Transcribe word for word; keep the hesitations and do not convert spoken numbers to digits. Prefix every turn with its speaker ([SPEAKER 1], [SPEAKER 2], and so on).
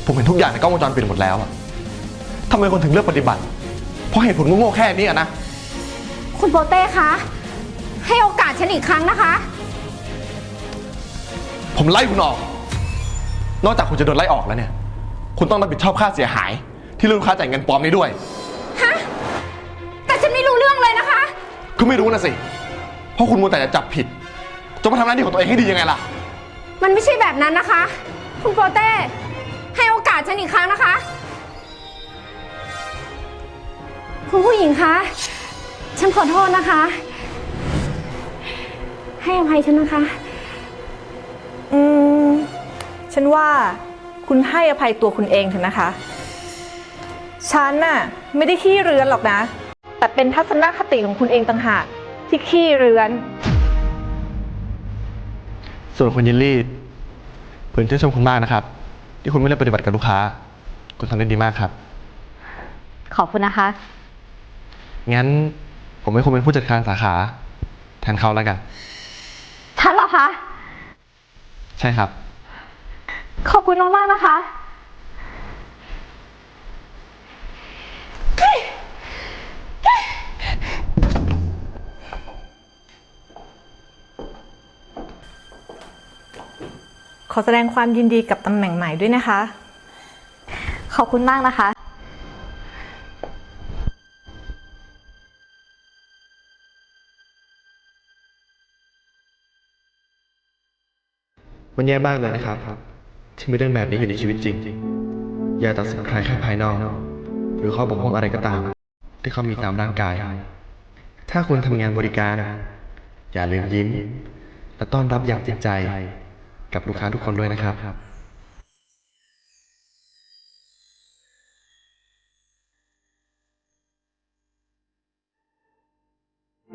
[SPEAKER 1] ผมเห็นทุกอย่างในกล้องวงจรปิดหมดแล้วอะทำไมคนถึงเลือกปฏิบัติเพราะเหตุผลโง่ๆแค่นี้อะนะ
[SPEAKER 2] คุณโปเต้คะให้โอกาสฉันอีกครั้งนะคะ
[SPEAKER 1] ผมไล่คุณออก นอกจากคุณจะโดนไล่ออกแล้วเนี่ยคุณต้องรับผิดชอบค่าเสียหายที่ลูกค้าจ่ายเงินปลอมนี้ด้วย
[SPEAKER 2] ฮะแต่ฉันไม่รู้เรื่องเลยนะคะ
[SPEAKER 1] ก็ไม่รู้นะสิเพราะคุณมัวแต่จะจับผิดจะมาทำหน้าที่ของตัวเองให้ดียังไงล่ะ
[SPEAKER 2] มันไม่ใช่แบบนั้นนะคะ คุณโปเต้ให้โอกาสฉันอีกครั้งนะคะ คุณผู้หญิงคะฉันขอโทษนะคะ ให้อภัยฉันนะคะ
[SPEAKER 3] อืมฉันว่าคุณให้อภัยตัวคุณเองเถอะนะคะ ฉันน่ะไม่ได้ขี้เรือนหรอกนะ แต่เป็นทัศนคติของคุณเองต่างหากที่ขี้เรือน
[SPEAKER 1] ส่วนคุณยินลี่ผมชื่นชมคุณมากนะครับที่คุณไม่ได้ปฏิบัติกับลูกค้าคุณทำได้ดีมากครับ
[SPEAKER 4] ขอบคุณนะคะ
[SPEAKER 1] งั้นผมให้คุณเป็นผู้จัดการสาขาแทนเขาแล้วกัน
[SPEAKER 4] ฉันเหรอคะ
[SPEAKER 1] ใช่ครับ
[SPEAKER 4] ขอบคุณมากๆนะคะ
[SPEAKER 3] ขอแสดงความยินดีกับตำแหน่งใหม่ด้วยนะคะ
[SPEAKER 4] ขอบคุณมากนะคะ
[SPEAKER 1] มันแย่มากเลยนะครับที่มีเรื่องแบบนี้อยู่ในชีวิตจริงอย่าตัดสินใครแค่ภายนอกหรือข้อบกพร่องอะไรก็ตามที่เขามีตามร่างกายถ้าคุณทำงานบริการอย่าลืมยิ้มและต้อนรับอย่างจริงใจกับลูกค้าทุกคนด้วยนะครับ